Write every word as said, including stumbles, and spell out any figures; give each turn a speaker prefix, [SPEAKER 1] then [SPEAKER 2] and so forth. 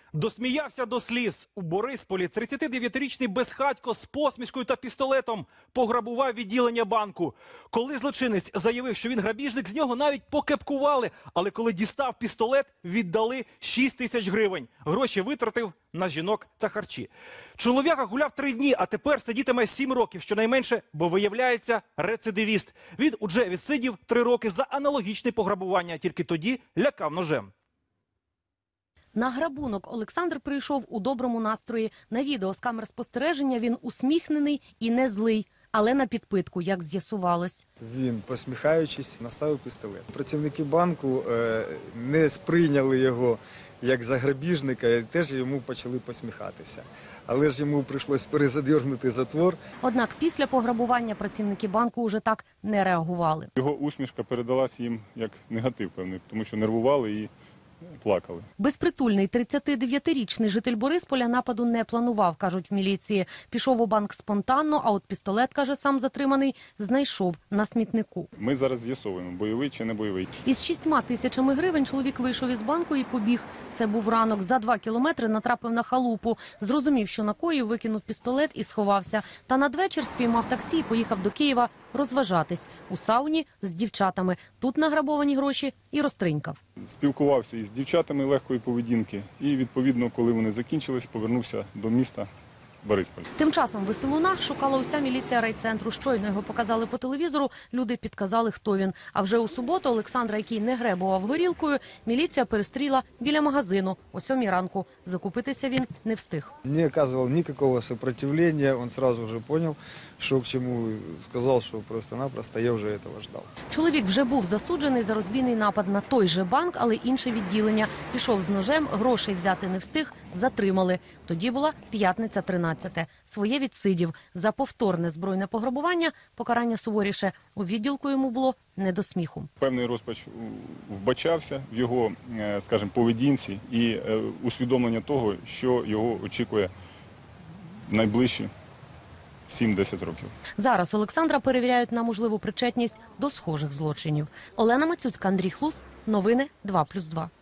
[SPEAKER 1] Досміявся до сліз. У Борисполі тридцятидев'ятирічний безхатько з посмішкою та пістолетом пограбував відділення банку. Коли злочинець заявив, що він грабіжник, з нього навіть покепкували. Але коли дістав пістолет, віддали шість тисяч гривень. Гроші витратив на жінок та харчі. Чоловіка гуляв три дні, а тепер сидітиме сім років, щонайменше, бо виявляється рецидивіст. Він уже відсидів три роки за аналогічне пограбування, тільки тоді лякав ножем.
[SPEAKER 2] На грабунок Олександр прийшов у доброму настрої. На відео з камер спостереження він усміхнений і не злий, але на підпитку, як з'ясувалось.
[SPEAKER 3] Він, посміхаючись, наставив пістолет. Працівники банку е, не сприйняли його як за грабіжника і теж йому почали посміхатися. Але ж йому прийшлось перезадьорнути затвор.
[SPEAKER 2] Однак після пограбування працівники банку уже так не реагували.
[SPEAKER 4] Його усмішка передалась їм як негатив певний, тому що нервували і плакали.
[SPEAKER 2] Безпритульний тридцятидев'ятирічний житель Борисполя нападу не планував, кажуть в міліції. Пішов у банк спонтанно, а от пістолет, каже сам затриманий, знайшов на смітнику.
[SPEAKER 4] Ми зараз з'ясовуємо, бойовий чи не бойовий.
[SPEAKER 2] Із шістьма тисячами гривень чоловік вийшов із банку і побіг. Це був ранок. За два кілометри натрапив на халупу. Зрозумів, що накоїв, викинув пістолет і сховався. Та надвечір спіймав таксі і поїхав до Києва розважатись. У сауні з дівчатами. Тут награбовані гроші і розтринькав.
[SPEAKER 4] Спілкувався із дівчатами легкої поведінки і, відповідно, коли вони закінчились, повернувся до міста Бориспіль.
[SPEAKER 2] Тим часом Веселуна шукала уся міліція райцентру. Щойно його показали по телевізору, люди підказали, хто він. А вже у суботу Олександра, який не гребував горілкою, міліція перестріла біля магазину о сьомій ранку. Закупитися він не встиг.
[SPEAKER 3] Не оказував ніякого сопротивлення, він одразу вже зрозумів, що к чому, сказав, що просто-напросто я вже цього чекав.
[SPEAKER 2] Чоловік вже був засуджений за розбійний напад на той же банк, але інше відділення. Пішов з ножем, грошей взяти не встиг, затримали. Тоді була п'ятниця тринадцяте. Своє відсидів. За повторне збройне пограбування покарання суворіше. У відділку йому було не до сміху.
[SPEAKER 4] Певний розпач вбачався в його, скажімо, поведінці і усвідомлення того, що його очікує найближчі сім-десять років.
[SPEAKER 2] Зараз Олександра перевіряють на можливу причетність до схожих злочинів. Олена Мацюцька, Андрій Хлус. Новини два плюс два.